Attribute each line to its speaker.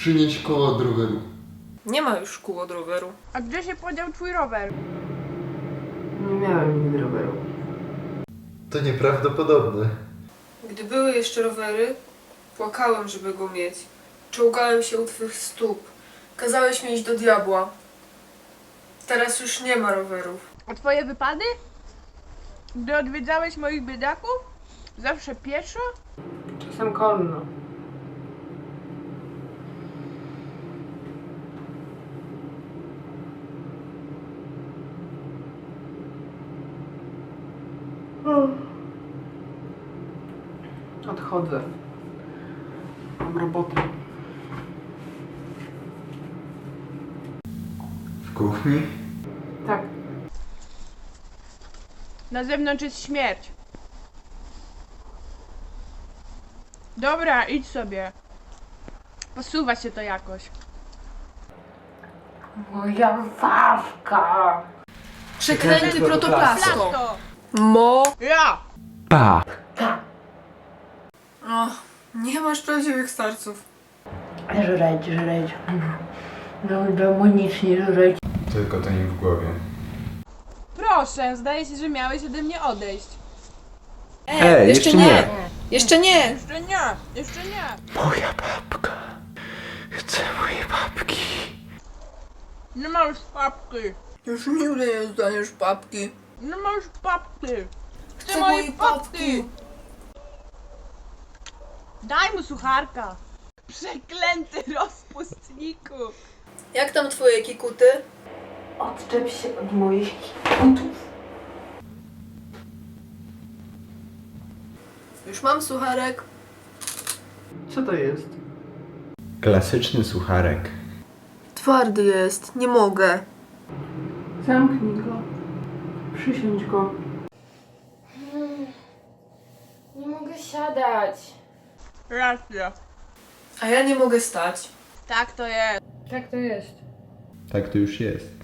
Speaker 1: Przynieś koło od roweru.
Speaker 2: Nie ma już kół od roweru.
Speaker 3: A gdzie się podział twój rower?
Speaker 4: Nie miałem nigdy roweru.
Speaker 1: To nieprawdopodobne.
Speaker 2: Gdy były jeszcze rowery, płakałem, żeby go mieć. Czołgałem się u twych stóp. Kazałeś mi iść do diabła. Teraz już nie ma rowerów.
Speaker 3: A twoje wypady? Gdy odwiedzałeś moich biedaków? Zawsze pieszo?
Speaker 4: Czasem konno. Odchodzę. Mam robotę.
Speaker 1: W kuchni?
Speaker 4: Tak.
Speaker 3: Na zewnątrz jest śmierć. Dobra, idź sobie. Posuwa się to jakoś.
Speaker 4: Moja wawka!
Speaker 2: Przeklęty protoplasto.
Speaker 3: Plasto!
Speaker 2: Mo.
Speaker 3: Ja!
Speaker 1: Pa!
Speaker 2: O, nie masz prawdziwych starców.
Speaker 4: Żreć. No demonicznie żreć.
Speaker 1: Tylko to nie w głowie.
Speaker 3: Proszę, zdaje się, że miałeś ode mnie odejść.
Speaker 2: Jeszcze nie! Jeszcze nie!
Speaker 3: Jeszcze nie! Jeszcze nie!
Speaker 1: Moja babka. Chcę mojej babki.
Speaker 3: Nie ma już papki!
Speaker 2: Już nigdy nie dostaniesz papki.
Speaker 3: Nie ma już papki! Chcę
Speaker 2: Chcę
Speaker 3: mojej
Speaker 2: mojej
Speaker 3: papki!
Speaker 2: papki.
Speaker 3: Daj mu sucharka! Przeklęty rozpustniku!
Speaker 2: Jak tam twoje kikuty?
Speaker 4: Odczep się od moich butów.
Speaker 2: Już mam sucharek.
Speaker 4: Co to jest?
Speaker 1: Klasyczny sucharek.
Speaker 2: Twardy jest, nie mogę.
Speaker 4: Zamknij go. Przysiądź go.
Speaker 5: Nie mogę siadać.
Speaker 3: Racja.
Speaker 2: A ja nie mogę stać.
Speaker 3: Tak to jest.
Speaker 5: Tak to jest.
Speaker 1: Tak to już jest.